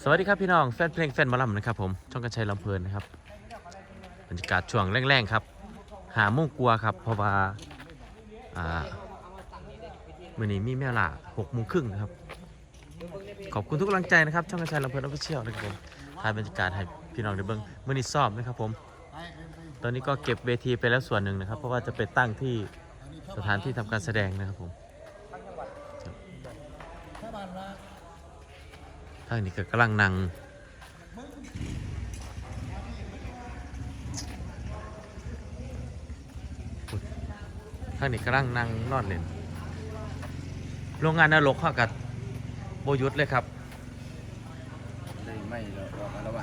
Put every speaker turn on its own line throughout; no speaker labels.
วัสดีครับพี่น้องแฟนเพลงแฟนหมอลำนะครับผมช่องกระชัยลำเพลินนะครับบรรยากาศช่วงแรงๆครับหาโมงกลัวครับเพราะว่ามื่อนี้มีแม่ละ6:30นะครับขอบคุณทุกกำลังใจนะครับช่องกระชัยลำเพลินออฟฟิเชียลนะครับผมถ่ายบรรยากาศให้พี่น้องได้เบิ่งมื่อนี้ซ้อมนะครับผมตอนนี้ก็เก็บเวทีไปแล้วส่วนหนึ่งนะครับเพราะว่าจะไปตั้งที่สถานที่ทำการแสดงนะครับผมทางนี้ก็กำลังนั่งทางนี้กำลังนั่งนอนเล่นโรงงานนรกเข้ากับโบยุทธเลยครับ
ไม่รอมาละวัน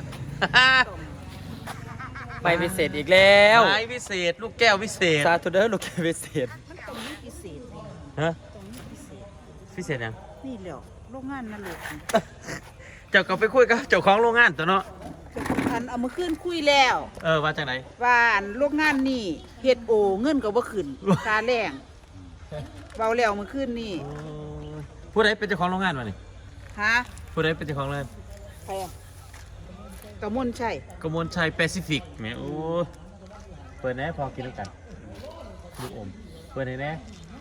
ไปพิเศษอีกแล้ว
ไม้พิเศษลูกแก้วพิเศษ
ซาทูเดอร์ลูกแกพิเศษ
มันตรงนี้พิเศษเลย
ฮะ
ตรงนี้พิเศษ
พิเศษยัง
นี่แหละโรงงานนั่นแหละ
เจ้าก็ไปคุยกับเจ้าของโรงงานตัวเนาะ
อันเอามาขึ้นคุยแล้ว
ว่าจากไหน
ว่าอันโรงงานนี่เฮ็ดโอเงินก็บ่ขึ้นค่าแรงเบาแล้วมาขึ้นนี่
ผู้ใดเป็นเจ้าของโรงงานวะนี่
ฮะ
ผู้ใดเป็นเจ้าของโรงงาน
ใครอ่ะกระมวลชัย
กมลชัยแปซิฟิกแหมโอ้เปิดแน่พอกินด้วยกันลูกอมเปิดแน่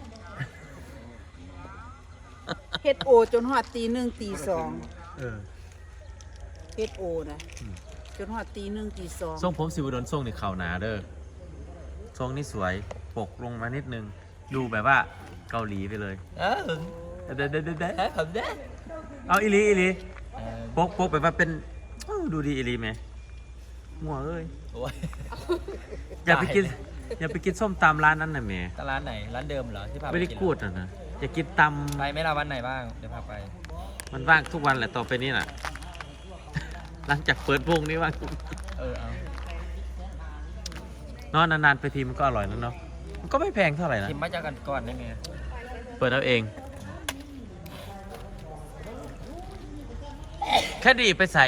เฮ็ดโอจนฮอดตีหนึ่งตีสอง
เออ
เฮ็ดโอนะจนฮอดตีหนึ่งตีสอง
ทรงผมสิวดลทรงนี่เข่าหนาเด้อทรงนี่สวยปกลงมานิดนึงดูแบบว่าเกาหลีไปเลยเด้
ผมได้
เอาอีหลีปกแบบว่าเป็นดูดีอีหลีไหมหัวเอ้ย
โอ้ย
อย่าไปกินส้มตำร้านนั้นนะแม่
ร้านไหนร้านเดิมเหรอที่พาไป
ไม่ได้
กิน
กูดนะอย่ากินต
ไปไหม่ละวันไหนบ้างเดี๋ยวพาไป
ำมันว่างทุกวันแหละต่อไปนี้น่ะ หลังจากเปิดวงนี้ว่าง
เอา
นอนนานๆไปทีมันก็อร่อยแล้วเนาะมันก็ไม่แพงเท่าไหร่นะ
ทิมมาจากกันก่อนได้ไหม
เปิดเอาเอง แค่ดีไปใส่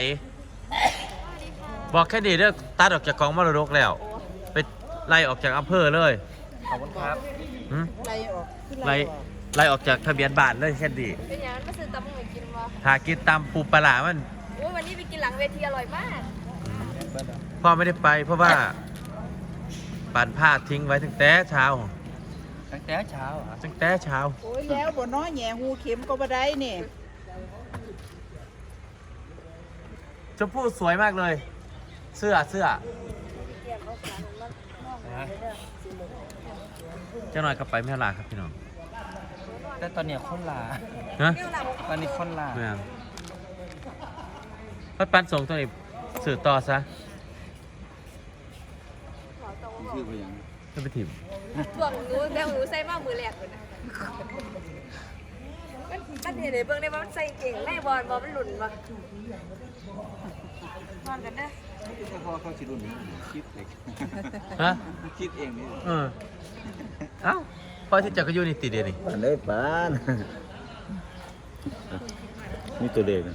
บอกแค่ดีเด้อตัดออกจากกองมรดกแล้ว ไปไล่ออกจากอำเภอเลย
ขอบคุณครับ
หืม
ไล่ออกคือ
ไล่
ออก
ไล่ออกจากทะเบียนบ้านเลยแค่ดี
เป็นอย่างนั้นมาซื้อตำมึงกินวะ
หากินตามปูปลาหลามัน
โอ้ยวันนี้ไปกินหลังเวทีอร่อยมาก
พ่อไม่ได้ไปเพราะว่าปั่นผ้าทิ้งไว้ตั้งแต่เช้า
ตั้งแต่เช้าเหรอ
ตั้งแต่เช้า
โอ้ยแล้วบ่น้อยแหย่หูเข็มก็บ่ได้นี่
ชมพู่สวยมากเลย เสื้อเจ้าหน่อยก็ไปแม่ลาครับพี่น้อง
แต่ตอนเนี้ยคนลา
ฮะ
ตอนนี้คนลา
แม่พัดปันส่งตัวนี้สื่อต่อซะ
ชื่อไปยัง
ไม่ไปถิ่ม
พวกหนูแบงหนูใส่มากมือแหลกเลยนะมันเห็นในเบื้องได้ว่ามันใส่เก่งแม่บอลมันหลุนปะนอนกันนะ
ถ้าเขาชิรุ่นคิดเล็ก
ฮะ
คิดเองนี่
เอ้าพอที่จักรยูนี่ติดเดียวนี่
ปานเลยปานนี่ตัวเด็กนะ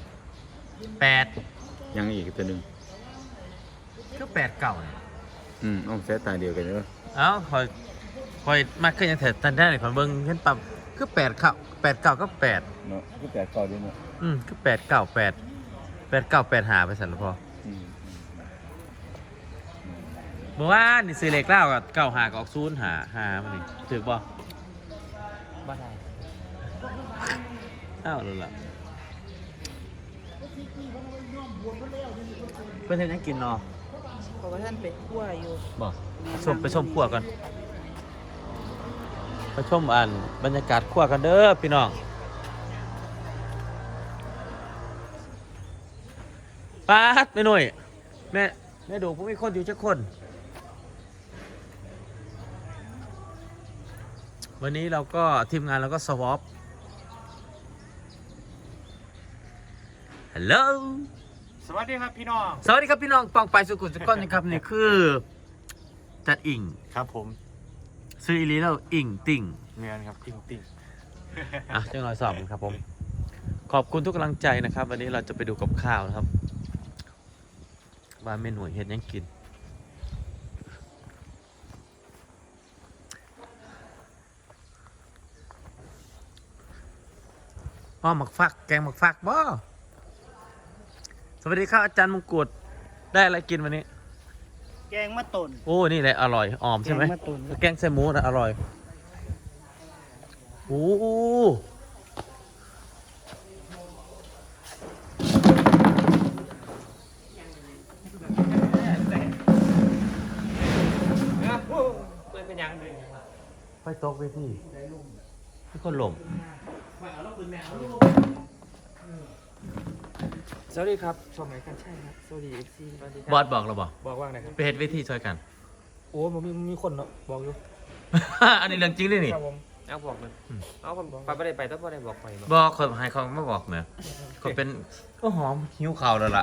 8
ยังอีกตัวหนึ่ง
ก็8 เก่าเนี่ย
เอาแสตาเดียวกันเนอะ
เอ้าคอยมากขึ้นยังแถวตันได้เลยขอนเบิ้งเห็นปั๊บคือ8 เก่า8 เก่าก็8
เนาะก็แปดก่อนด้วยเนาะ
คือ8 เก่า8 9 8หาไปสั่นแล้วพอเมื่อวานนี่ซื้อเลขเล่ากับ9หากับออก0หามันนี่ถือบ่
บ้านไหน
อ้าวรู้ละเพื่อนเทนยังกินเนาะ
เพราะว่าท่านไปคั่วอยู่
บอกไปชมขั้วกันไปชมบรรยากาศขั้วกันเด้อพี่น้องป้าดไม่หน่อยแม่ดูพวกมีคนอยู่จักคน วันนี้เราก็ทีมงานเราก็สวอปฮัลโหล
สวัสดีครับพี่น้อง
สวัสดีครับพี่น้องปองไปสุขุมสุขก้อนนะครับนี่คือจัดอิ่ง
ครับผม
ซื้ออีลีแล้วอิ่งติ่ง
เงินครับติ้งติ้ง
จังหน่อยสอบครับผมขอบคุณทุกกำลังใจนะครับ วันนี้เราจะไปดูกับข้าวนะครับว่าเมนูเฮ็ดยังกินหมักฟักแกงหมักฟักบ่สวัสดีครับอาจารย์มงกุฎได้อะไรกินวันนี้
แกงมะตุน
โอ้นี่แหละอร่อยออมใช่ไหม
แกงมะตูม
แกงใส่หมูนะอร่อยโอ้โหไฟตกเวทีทุกคนหลง
สวัสดีครับชมไหนกันใช่ครับสวัสดีเอฟซีสวัสดีครับ
บอสบอกเราบอก
บอกว่าไงครับ
ไปเฮ็ดเวทีช่วยกัน
โอ้ผมมีคนเนาะบอกอยู่
อันนี้เรื่องจริงเลยนี่
ครับผมเอาบอกเลยเอาผมไปไม่ได้ไปต้องไม่ได้บอกไป
บอกเขาให้เขาไม่บอกเนี่ยเขาเป็นก็หอมหิวข่าวแล้วล่ะ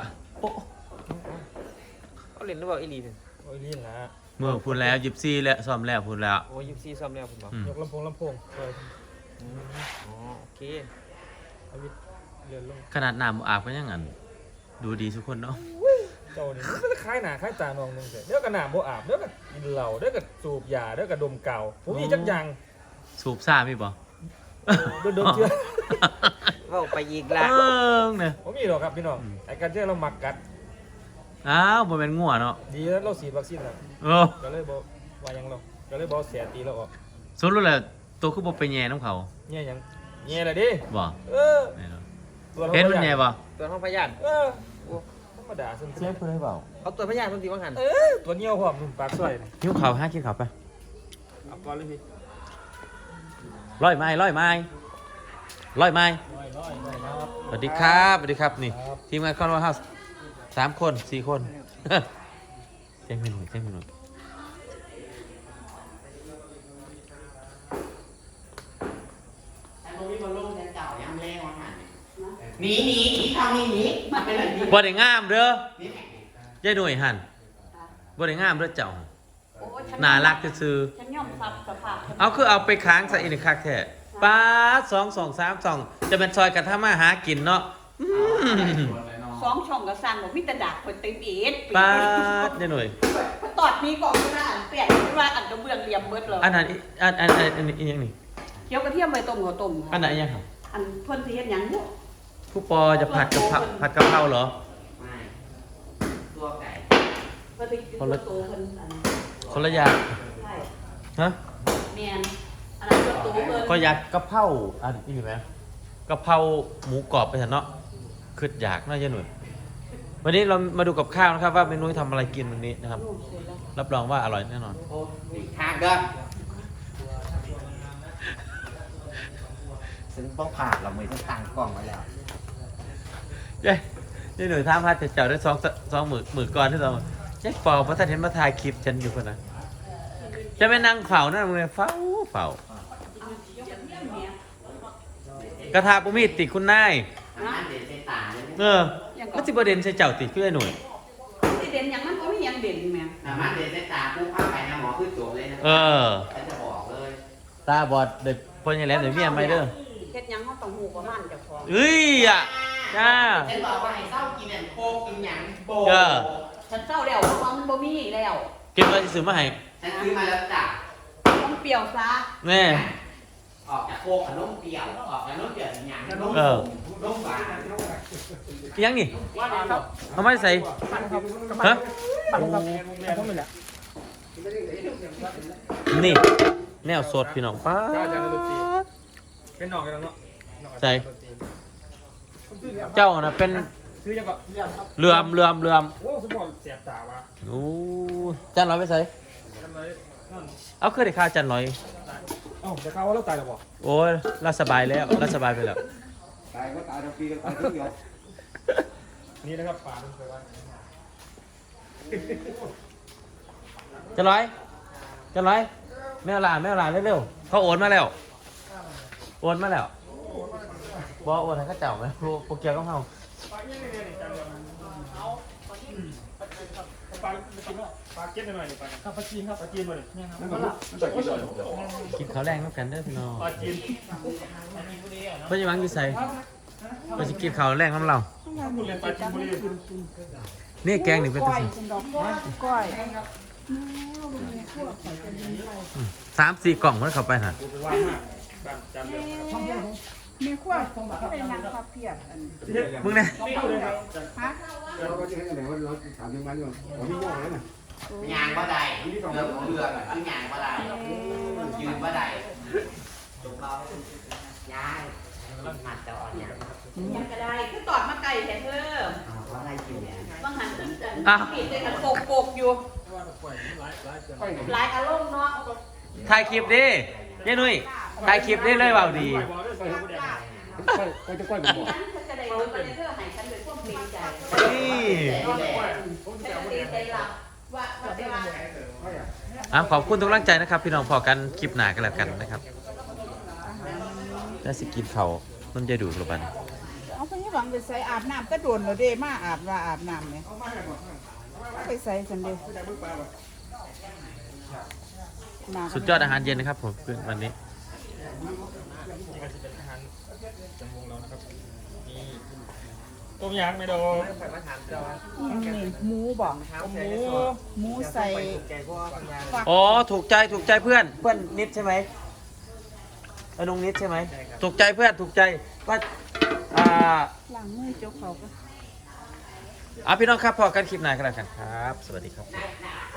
เขาเล่นหรือเปล่าอีลีเนี่ยโอ้ยลีนละ
เมื่อพูดแล้วยิบซี่แล้วซ้อมแล้วพูดแล้ว
โอ้ย24ซ่อมแล้วผมบอก
อืม
ยกลำโพงเลยอ๋อโอเคเอาวิทย์เรียนลง
ขนาดน้ำอาบก็ยังงั้นดูดีทุกคนเนาะ
เจ้านี่มันจะคล้ายหนาคล้ายตานองนึงแต่เดี๋ยวก็หนาโบอาบเดี๋ยวก็กินเหล้าเดี๋ยวก็สูบยาเดี๋ยวก็ดมเก่าผมมีจักอย่าง
สูบซ่ามีบ่
โดนเชื่อว่าไปอีกละ
เนี่ย
ผมมีหรอกครับพี่น้องไอ้การเชื่อเราหมักกัด
อ้าวบ่เป็นงัวเนาะ
ดีแล้วเราฉีดวัคซีนแล้ว
เออ
ก็เลยบอกว่ายังเราก็เลยบอกเสียตีเราออก
สรุปแล้วตัวคือบ่ไปแย่น้ำเขา
แง่ยังแง่เลยดิ
บ่
เออ
แน่นอน
ตัวเรา
เห็นมันแย่บ่
ตัวห้องพยานเออโอ้ธรรมดาซึ่ง
เสียงเพิ่นให้เบา
เขาตัวพยานมันตีว่าหันตัวเงี้ยวพร้อมนุ่มปากสวย
หิวข่าวหากินข้าวไป
เอาก่อนเลยพี่
ร้อยไม้ร้อยไม้ร้อยไม้สวัสดีครับสวัสดีครับนี่ทีมงานคอนวอร์เฮาส์3 คน4 คนแจ้งเมนูแจ้งเมนู
หนีทำหนีมาไปเลยหนี
บ่ได้งามเด้อยายหน่วยหั่นบ่ได้งามเด้อเจ้าน่ารักซื่อ
ฉันยอมรับสภาพ
ๆเอาคือเอาไปค้างใส่อีกคักแท้ป๊าด2 จะเป็นซอยกันทำมาหากินเนาะอืม
2 ช่องก็สั่นบอกมีแต่ดากคนเต็มเอ็ด
ป๊าดยายหน่วย
ตอดมีกล่องก็ได้อันเปลี่ยนว่าอันกระเบื้องเหลี่ยมเบิดเลย
อันนั้นอันนี้อีหยังนี่
เคี่ยวกระเทียมใบต้มหัวต้ม
อันไหนอีหยังครับ
อันเพิ่นสิเฮ็ดหยังอยู่
ผู้ปอจะผัดกะเพราเหรอ
ตัวไก่
เพิ่นสิกินตัวโตเพิ่นอัน
คนละอย่าง
ใช่
ฮะ
แม่นอันนั้นตัวโตเพิ่น
ก็อยากกะเพราอันนี้อยู่ไหมกะเพราหมูกรอบไปเถอะเนาะคืออยากน่าจะหนุนวันนี้เรามาดูกับข้าวนะครับว่าเมนูทำอะไรกินวันนี้นะครับ รับรองว่าอร่อยแน่นอน
โอ้ยทางเด้อซึ่งต้องผ่านเราไม่ต้องตั้งกล้องไว้แล้ว
เย้นี่หน่วยท่าพัดจะเจ้าได้สองหมื่นก่อนที่เราแจ็คฟอร์เพราะท่านเห็นมาถ่ายคลิปฉันอยู่คนนั้นจะไปนั่งเฝ้านั่นมึงเลยเฝ้ากระทาปุมีติคุณนาย
อันเด็ดใส่ตาเลย
เออมันสิบเด่นใส่เจ้าติคือไอ้หน่วย
สิเด่นหยังมันก็มีหยังเด่นแม่
สามารถเด็ดใส่ตาปุ๊บเข้าไปนะหมอคือจบเลยนะ
เออ
ฉันจะบอกเลย
ตาบอดเด็กพ่อยังแหลมเดี๋ยวเมียไม่เด้อ
เฮ็ดหยังเฮาต้องฮู้ประมาณเจ้าของ
เอ้ยอ่ะจ้า
ฉันบอกว่าให้เศร้ากินอันโคกกินหยังโบ
เออ
ฉันเศร้าแล้วเพราะว่ามันบ่มีแล้ว
เก็บอะไรซื้อมาให้
ฉันซื้อมาแล้วจ้ะ
ต้องเปรี้ยวซะ
แน่
ออกจากโคกกับน้มเปรี้ยวออกจากน้มเปรี้ยวกินหยังน้ม
เออ
น้มหวาน
ยังนี่เอาไม่ใส่ฮะนี่แนวสดพี่น้องป้าด
เป็นหนองกันเนาะ
ใส่เจ้าน่ะเป็น
ซื้อยังก็
เรือม
โอ้สมองเสียบตาวะ
โอ้จันร้อยไปใส่
ทำไรนั่น
เอาเคยได้ค่าจันร้อย
เอ้าจะเข้าว่าเราตายหรอบ่
โอ้ยเราสบายแล้วเราสบายไปแล้ว
ตายก็ตายทั้งปีก็ตายทั้งเดียว
นี่นะครับป่าดูไปว่า
จันร้อยแม่เอาหลานเร็วๆเขาโอนมาแล้วบอกโอนให้เข้าเจ้าไหมโปรเกียวก็เฮา
ปลาเก็ตหน่อยปลาครับปลาจีนครับปลาจีนมาเลย
กินข้าวแรงน้ำกันเด้อพี่น้อง
ปลาจีน
เพื่อนจะวางอยู่ใส่เพื่อนจะกินข้าวแรงน้ำเรา
บุรีปลาจีนบุรี
นี่แกงหนึ่งเป็นตัวสิ
ก้อย
3-4 กล่องมันเข้าไปฮะ
ว่างมากจำเลย
มีขั้วเป็นหยังครับเพียรอัน
มึงเนี่ย
นี่เลยครับ
ฮะ
เราก็จะให้ไหนว่าเราถามถึงมันก่อนเราไม่ง่วงเลยนะ
ยางบ่ได้เรือคือยางบ่ได้ยืนบ่ได้จุกเรายางหัดจะอ่อนยาง
ยังก็ได้คือตอดมาไก่แท้เพิ่ม
เพราะอะไรกินเนี่ย
บางหันขึ้นจันผิดเลยกันโปกอยู่หลายอารมณ์เนาะ
ถ่ายคลิปดิยายนุ้ยถ่ายคลิปได้เลยเปล่าดี
ก็จะก้อยผมบอก
ฉันจะได้รู้ประเด็นเธอให้ฉันเป็นพวกเกรงใจ
นี่
ฉันจะเกรงใจหลับว่าได้ว่า
ขอบคุณทุกกำลังใจนะครับ พี่น้องพอกันคลิปหนากันแล้วกันนะครับได้สิกินเขาวมันจะดูหรือเปล่า
เอาไปให้หวังไปใส่อาบน้ำก็โดนเลยเด้มาอาบน้ำเนี่ยไปใส่สันเดี
สุดยอดอาหารเย็นนะครับผมวันนี้
นี่ก็จะเป็นอาหารจำวงเรานะครับมีต้มยำไม่โดน
นี่หมูบอกหมูใส่ฝัก
อ๋อถูกใจเพื่อนนิดใช่ไหมน้องนิดใช่ไหมถูกใจเพื่อนถูกใจว่า
หลังมือเจ้าเขาก็
พี่น้องครับพอกันคลิปหน้ากันแล้วกันครับ สวัสดีครับ